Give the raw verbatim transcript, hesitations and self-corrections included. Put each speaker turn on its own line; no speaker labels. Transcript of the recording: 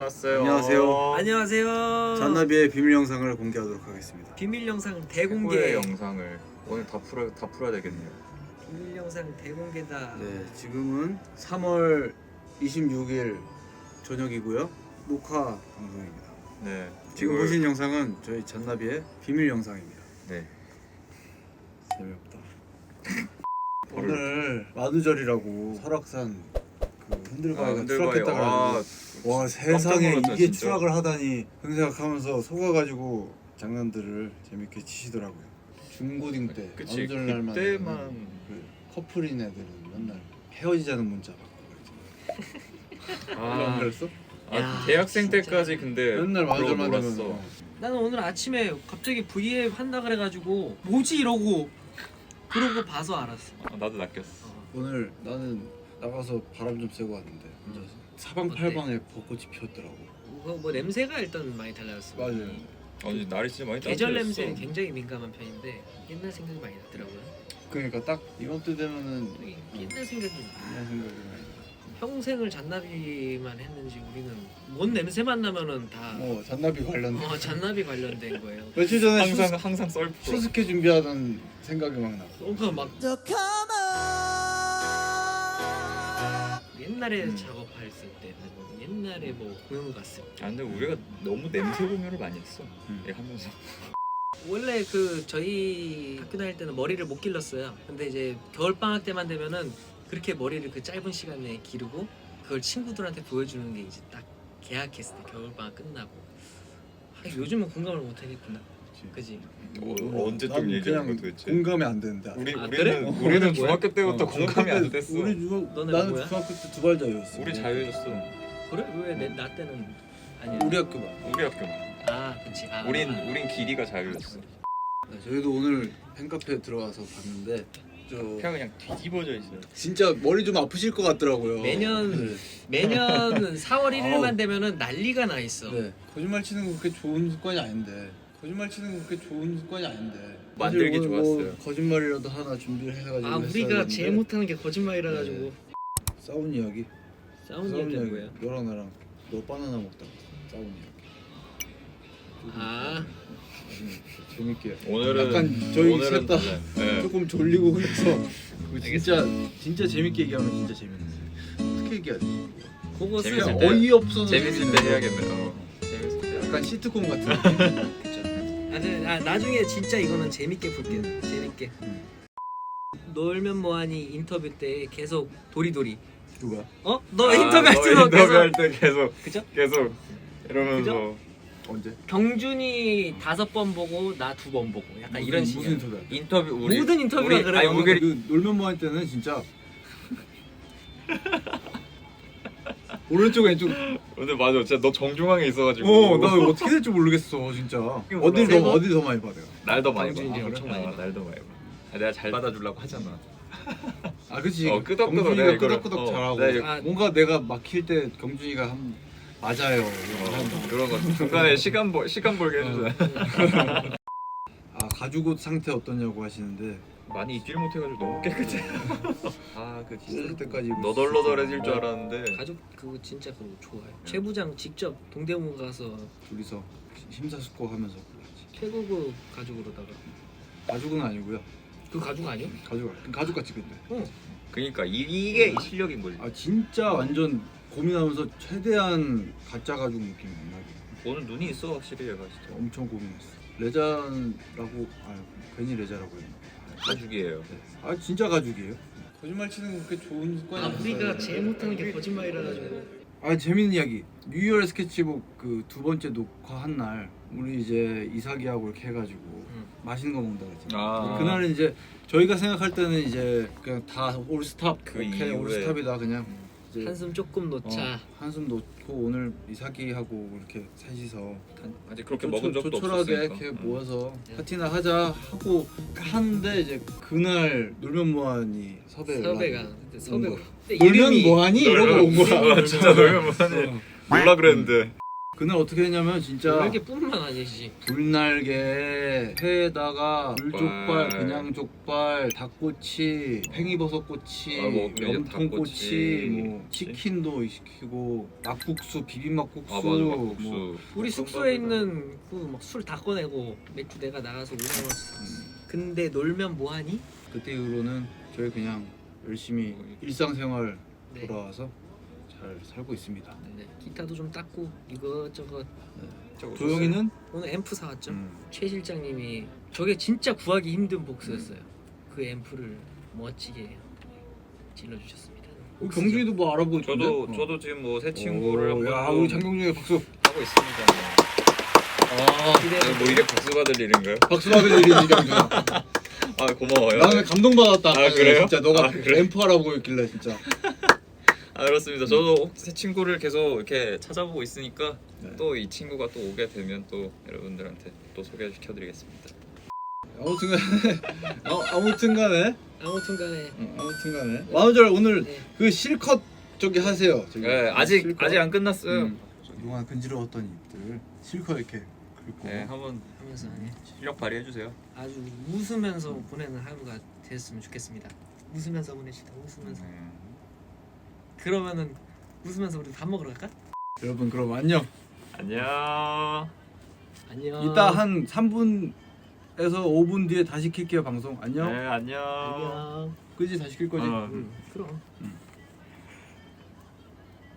안녕하세요.
안녕하세요.
안녕하세요.
잔나비의 비밀 영상을 공개하도록 하겠습니다.
비밀 영상
최고의
대공개.
영상을 오늘 다 풀어 다 풀어야 되겠네요.
비밀 영상 대공개다.
네, 지금은 삼월 이십육일 저녁이고요. 녹화 방송입니다.
네.
지금
이걸-
보신 영상은 저희 잔나비의 비밀 영상입니다.
네.
재미없다. 오늘 마두절이라고 설악산 그 흔들바위가
아, 흔들바위.
추락했다가
아,
와 세상에
놀랐다,
이게
진짜.
추락을 하다니 그런 생각하면서 속아가지고 장난들을 재밌게 치시더라고요. 중고딩 때
그치.
마두절 날만
그때만
그 커플인 애들은 맨날 헤어지자는 문자 받고 그랬지.
아,
그랬어?
아
야,
대학생
진짜.
때까지 근데
맨날
그러고
마두절만
놀았어.
되면 어.
나는 오늘 아침에 갑자기 브이앱 한다 그래가지고 뭐지 이러고 그러고 봐서 알았어.
아, 나도 낚였어.
어.
오늘 나는 나가서 바람 좀 쐬고 왔는데 혼자서 사방팔방에 벚꽃이 피었더라고.
뭐, 뭐 냄새가 일단 많이 달라졌어.
맞아요.
아니 날이 진짜 많이
계절
따뜻해졌어.
냄새는 굉장히 민감한 편인데 옛날 생각이 많이 나더라고요.
그러니까 딱 이맘때 되면은
되게 옛날 생각이 나.
옛날 생각이 많이 나.
평생을 잔나비만 했는지 우리는 뭔 냄새만 나면은 다
어 잔나비 관련.
어, 잔나비 관련된 거예요.
며칠 전에
항상
수수,
항상 썰프.
수수께 준비하던 생각이 막 나.
뭔가 막 옛날에
음.
작업했을 때, 뭐 옛날에 뭐 공연 갔을 때
아 근데 우리가 너무 냄새 공유를 많이 했어.
음.
얘 하면서.
원래 그 저희 학교 다닐 때는 머리를 못 길렀어요. 근데 이제 겨울 방학 때만 되면은 그렇게 머리를 그 짧은 시간에 기르고 그걸 친구들한테 보여주는 게 이제 딱 개학했을 때 겨울 방학 끝나고. 아, 요즘은 공감을 못 하겠구나. 그지?
어,
몰라.
언제적
난
얘기하는
그냥
거 도대체?
공감이 안 된다.
우리
아,
우리는
그래?
우리는
너는
중학교 때부터
어,
공감이
중학교
안
때
됐어.
우리 중학
너네
나는
뭐야?
중학교 때 두 발자였어.
우리 자유해졌어.
그래? 왜 내 나 때는 아니야?
우리 학교만.
우리 학교만.
아, 그렇지. 아,
우린
아.
우린 길이가 자유였어.
네, 저희도 오늘 팬카페 들어와서 봤는데 저
그냥 그냥 뒤집어져 있어요.
진짜 머리 좀 아프실 것 같더라고요.
매년
네.
매년 사월 일일만
아우.
되면은 난리가 나 있어.
네. 거짓말 치는 거 그렇게 좋은 습관이 아닌데. 거짓말 치는 거 그렇게 좋은 습관이 아닌데.
만들기
사실 오늘 뭐
좋았어요.
거짓말이라도 하나 준비를 해가지고
아,
했어야
우리가
되는데
제일 못하는 게 거짓말이라 가지고
네. 싸운 이야기.
싸운 얘기는 뭐야?
너랑 나랑 너 바나나 먹다가 싸운 이야기.
아,
재밌게.
오늘은
약간 저희
오늘은
셋 다
달라요. 네.
조금 졸리고 그래서 그거 진짜 진짜 재밌게 얘기하면 진짜 재밌는데 어떻게 얘기하지?
그것은
재밌을
그냥
때-
어이없어서
재밌을 때
재밌는데.
해야겠네요. 재밌을 때.
약간 시트콤 같은 느낌.
그쵸. 아, 네, 아, 나중에 진짜 이거는 재밌게 볼게. 재밌게.
음.
놀면 뭐하니 인터뷰 때 계속 도리도리.
누가?
어? 너
아,
인터뷰할
너
때
인터뷰할
계속
때 계속
그죠?
계속 이러면서
언제?
경준이 다섯 번 보고 나 두 번 보고 약간
무슨-
이런
무슨
식이야.
인터뷰야?
인터뷰 우리
모든 인터뷰가
우리-
그래.
아니
아,
우리
그 놀면 뭐 할 때는 진짜 오른쪽 왼쪽
근데 맞아 진짜 너 정중앙에 있어가지고
어나 어떻게 될지 모르겠어 진짜 어딜
세
더
번?
어딜 더 많이 봐 내가
날 더 많이 봐.
경준이
아,
엄청
그래?
많이
아,
봐.
날 더 많이 봐. 아, 내가 잘 받아주려고 하잖아.
아 그치
어, 끄덕끄덕
경준이가
내가 이거를-
끄덕끄덕
어,
잘하고
내가 이거-
아,
뭔가 내가 막힐 때 경준이가 한 맞아요 이렇게 한다.
어, 그런 거 중간에 시간 벌 시간 벌게 해주잖아.
아 가죽 옷 상태 어떠냐고 하시는데
많이 입질 못해가지고 너무 깨끗해. 아그
씻을 때까지 입을 수
너덜너덜해질
있어요.
줄 알았는데
가족 그거 진짜 그거 좋아요. 최 부장 직접 동대문 가서
둘이서 심사숙고하면서 골랐지.
최고급 가족으로다가
가죽은 아니고요
그 가족 아니요?
가죽 가죽 같이 근데
어.
그러니까 이, 이게 실력인 거지.
아 진짜 완전 고민하면서 최대한 가짜 가죽 느낌 안 나게
오늘 눈이 있어 확실히 얘가 진짜.
엄청 고민했어. 레잔라고 아 괜히 레자라고 했나?
가죽이에요.
아 진짜 가죽이에요? 거짓말 치는 거 그렇게 좋은 습관이
아,
아니었어요.
우리가 제일 못하는 게 거짓말이라 가지고.
아 재밌는 이야기. 뉴이얼 스케치북 그 두 번째 녹화한 날 우리 이제 이삭이하고 이렇게 해가지고
응.
맛있는 거 먹는다 그랬잖아.
아.
그날은 이제 저희가 생각할 때는 이제 그냥 다 올스탑
그
오케이
이후에.
올스탑이다 그냥 이제
한숨 조금 놓자.
어, 한숨 놓고 오늘 이삭이하고 이렇게 셋이서
아직 그렇게
조촐-
먹은 적도
조촐하게
없었으니까.
이렇게
응.
모아서
네.
파티나 하자 하고 하는데 이제 그날 놀면 뭐하니 섭외
섭외가 근데 섭외.
거야.
근데
놀면
이름이
뭐하니 이러고 온 거야.
아, 진짜 놀면 뭐하니. 몰라 그랬는데.
그날 어떻게 했냐면 진짜
날개뿐만 아니지.
불날개 회에다가
족발.
불족발, 그냥 족발, 닭꼬치, 팽이버섯꼬치,
아, 뭐, 이제
염통꼬치,
닭꼬치.
뭐 치킨도 시키고 막국수, 비빔막국수,
아 맞아 막국수.
뭐
우리 숙소에 있는 그 막 술 다 꺼내고 맥주 내가 나가서 오백 원씩 샀어. 근데 놀면 뭐하니?
그때 이후로는 저희 그냥 열심히 일상생활
네.
돌아와서 잘 살고 있습니다.
네. 기타도 좀 닦고 이것저것.
저거
조용히는
오늘 앰프 사왔죠.
음.
최 실장님이 저게 진짜 구하기 힘든 복수였어요. 그 앰프를 멋지게 질러주셨습니다.
어, 경준이도 뭐 알아보고 있던데?
저도
어.
저도 지금 뭐 새 친구를
오,
한번
야 우리 장경준이 박수.
하고 있습니다.
아
아, 뭐 이래 박수 받을 일인가요?
박수 받을 일이지 경준아.
아 고마워요.
나는 감동받았다.
아, 그래요?
진짜 너가
아, 그래?
앰프 하라고 했길래 진짜.
아 그렇습니다. 저도 새 친구를 계속 이렇게 찾아보고 있으니까
네.
또 이 친구가 또 오게 되면 또 여러분들한테 또 소개시켜드리겠습니다.
아무튼간에 아, 아무튼간에
아무튼간에
어, 아무튼간에 만우절 오늘
네.
그 실컷 저기 하세요. 저기.
네, 아직
실컷.
아직 안 끝났어요.
음. 그동안 근지러웠던 입들 실컷 이렇게 긁고.
네, 한번
하면서
실력 발휘해 주세요.
아주 웃으면서 보내는 하루가 됐으면 좋겠습니다. 웃으면서 보내시다. 웃으면서. 그러면은 웃으면서 우리 밥 먹으러 갈까?
여러분 그럼 안녕.
안녕.
안녕.
이따 한 삼 분에서 오 분 뒤에 다시 킬게요 방송. 안녕.
네, 안녕.
안녕.
그지 다시 킬 거지.
어.
응, 그럼.
음.